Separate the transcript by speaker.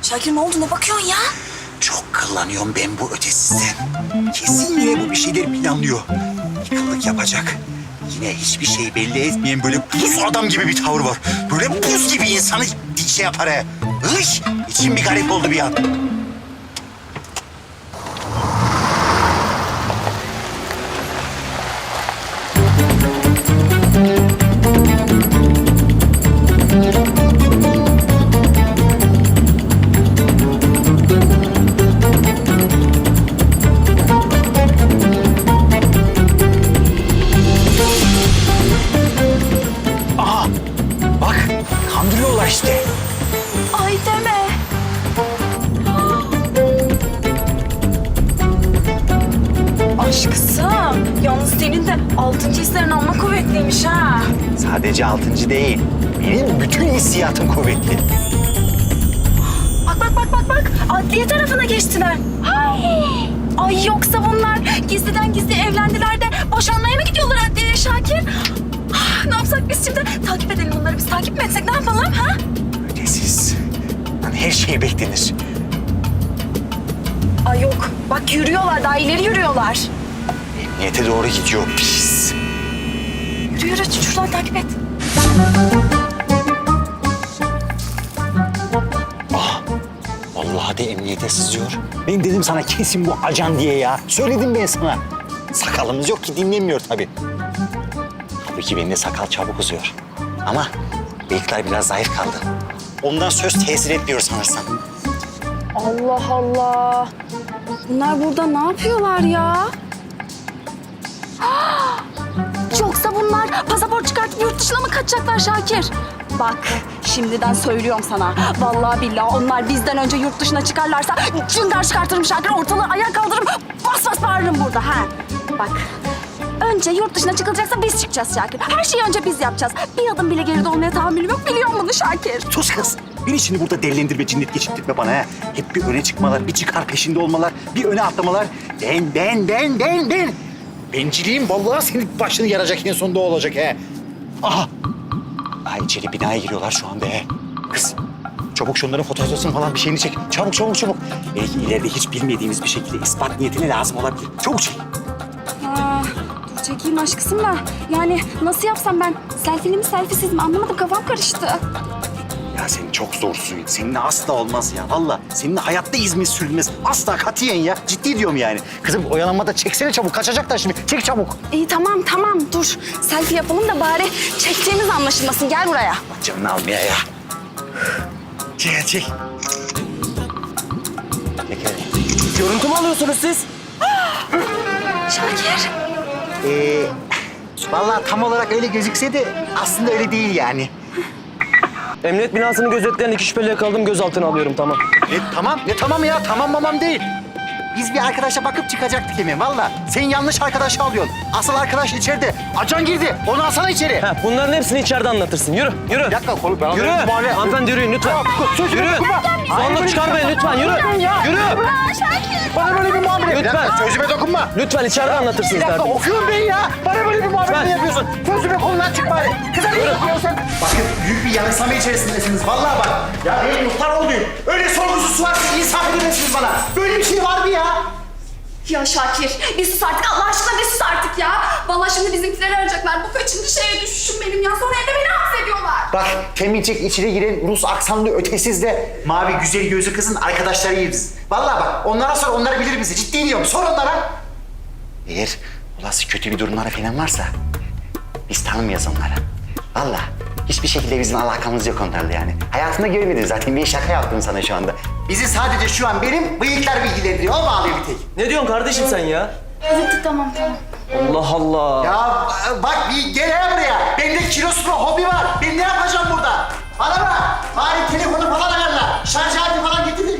Speaker 1: Şakir ne oldu, ne bakıyorsun ya?
Speaker 2: Çok kıllanıyorum ben bu ötesizden. Kesin yine bu bir şeyler planlıyor. Yıkılık yapacak. Yine hiçbir şey belli etmeyen böyle buz adam gibi bir tavır var. Böyle buz gibi insanı şey yapar he. Hış! İçim bir garip oldu bir an. Aha! Bak, kandırıyorlar işte.
Speaker 1: Ay deme. Aşkısım, yalnız senin de 6. hislerin amma kuvvetliymiş ha.
Speaker 2: Sadece 6. değil. Benim bütün hissiyatım kuvvetli.
Speaker 1: Bak. Adliye tarafına geçtiler. Ay yoksa bunlar gizliden gizli evlendiler de boşanmaya mı gidiyorlar adliyeye Şakir? Ne yapsak biz şimdi? Takip edelim bunları. Biz takip mi etsek? Ne yapalım ha?
Speaker 2: Ötesiz. Lan her şey beklenir.
Speaker 1: Ay yok. Bak yürüyorlar. Daha ileri yürüyorlar.
Speaker 2: Emniyete doğru gidiyor pis.
Speaker 1: Yürü. Şuradan takip et.
Speaker 2: Vallahi de emniyete sızıyor. Ben dedim sana kesin bu ajan diye ya. Söyledim ben sana. Sakalımız yok ki dinlemiyor tabii. Tabii ki benim de sakal çabuk uzuyor. Ama bıyıklar biraz zayıf kaldı. Ondan söz tesir etmiyor sanırsam.
Speaker 1: Allah Allah. Bunlar burada ne yapıyorlar ya? Yoksa bunlar pasaport çıkartıp yurt dışına mı kaçacaklar Şakir? Bak şimdiden söylüyorum sana. Vallahi billahi onlar bizden önce yurt dışına çıkarlarsa cıngar çıkartırım Şakir. Ortalığı ayağa kaldırırım. Bas bas bağırırım burada ha. Bak önce yurt dışına çıkılacaksa biz çıkacağız Şakir. Her şeyi önce biz yapacağız. Bir adım bile geride olmaya tahammülüm yok. Biliyor musun bunu Şakir?
Speaker 2: Sus kız. Beni şimdi burada delilendirme, cinnet geçirtme bana ha. Hep bir öne çıkmalar, bir çıkar peşinde olmalar, bir öne atlamalar. Ben. Benciliğim vallahi senin başını yaracak, en sonunda o olacak he. Aha. Ay içeri binaya giriyorlar şu anda he. Kız çabuk şunların fotoğrafını falan bir şeyini çek. Çabuk. Belki ileride hiç bilmediğimiz bir şekilde ispat niyetine lazım olabilir. Çabuk çek.
Speaker 1: Dur çekeyim aşkısım da. Yani nasıl yapsam ben? Selfie'li mi selfiesiz mi anlamadım, kafam karıştı.
Speaker 2: Ya sen çok zorsun. Seninle asla olmaz ya. Vallahi seninle hayatta İzmir sürülmez. Asla katiyen ya. Ciddi diyorum yani. Kızım oyalanmada çeksene çabuk. Kaçacaklar şimdi. Çek çabuk.
Speaker 1: İyi tamam dur. Selfie yapalım da bari çektiğimiz anlaşılmasın. Gel buraya.
Speaker 2: Bak canını almaya ya. Çek. Çek hadi.
Speaker 3: Görüntü mü alıyorsunuz siz?
Speaker 1: Şakir.
Speaker 2: Vallahi tam olarak öyle gözükse de aslında öyle değil yani.
Speaker 3: Emniyet binasını gözetleyen 2 şüpheli yakaladım, gözaltına alıyorum, tamam.
Speaker 2: Ne tamam ya. Tamam değil. Biz bir arkadaşa bakıp çıkacaktık hemen valla. Sen yanlış arkadaşı alıyorsun. Asıl arkadaş içeride. Acan girdi. Onu alsana içeri.
Speaker 3: Ha, bunların hepsini içeride anlatırsın. Yürü.
Speaker 2: Bir dakika kolu ben
Speaker 3: Yürü. Hanımefendi yürüyün lütfen. Yürü. Zorluk çıkarmayın lütfen. Yürü. Yürü.
Speaker 2: Bana böyle bir muamele.
Speaker 3: Lütfen.
Speaker 2: Sözüme dokunma.
Speaker 3: Lütfen içeride anlatırsınız
Speaker 2: Bir dakika
Speaker 3: derdim.
Speaker 2: okuyorum ben ya. Bana böyle bir muamele
Speaker 3: Lütfen.
Speaker 2: mi yapıyorsun? Sözüme kolundan çık bari. Kıza ne yapıyorsun? Bakın büyük bir yanılsama içerisindesiniz. Vallahi bak. Ya ben muhtar olayım. Öyle sorgusuz sualsiz insaf edemezsiniz bana. Böyle bir şey var mı ya?
Speaker 4: Ya Şakir, bir sus artık. Allah aşkına bir sus artık ya. Vallahi şimdi bizimkileri arayacaklar. Bu kaçıncı şeye düşüşüm benim ya. Sonra evde beni hapsediyorlar.
Speaker 2: Bak temizcik içeri giren Rus aksanlı ötesiz de mavi güzel gözlü kızın arkadaşlarıyız. Vallahi bak onlara sor, onlar bilir bizi. Ciddi diyorum, sor onlara. Eğer olası kötü bir durumları falan varsa biz tanımıyoruz onları. Vallahi hiçbir şekilde bizim alakamız yok onlarla yani. Hayatında görmedin zaten, bir şaka yaptım sana şu anda. Bizi sadece şu an benim bıyıklar bilgilendiriyor, o bağlıyor bir tek.
Speaker 3: Ne diyorsun kardeşim sen ya?
Speaker 1: Evet tamam.
Speaker 3: Allah Allah.
Speaker 2: Ya bak bir gel hele buraya. Bende kiloslu hobi var. Ben ne yapacağım burada? Bana bak. Bari telefonu falan ayarla. Şarj aleti falan getir de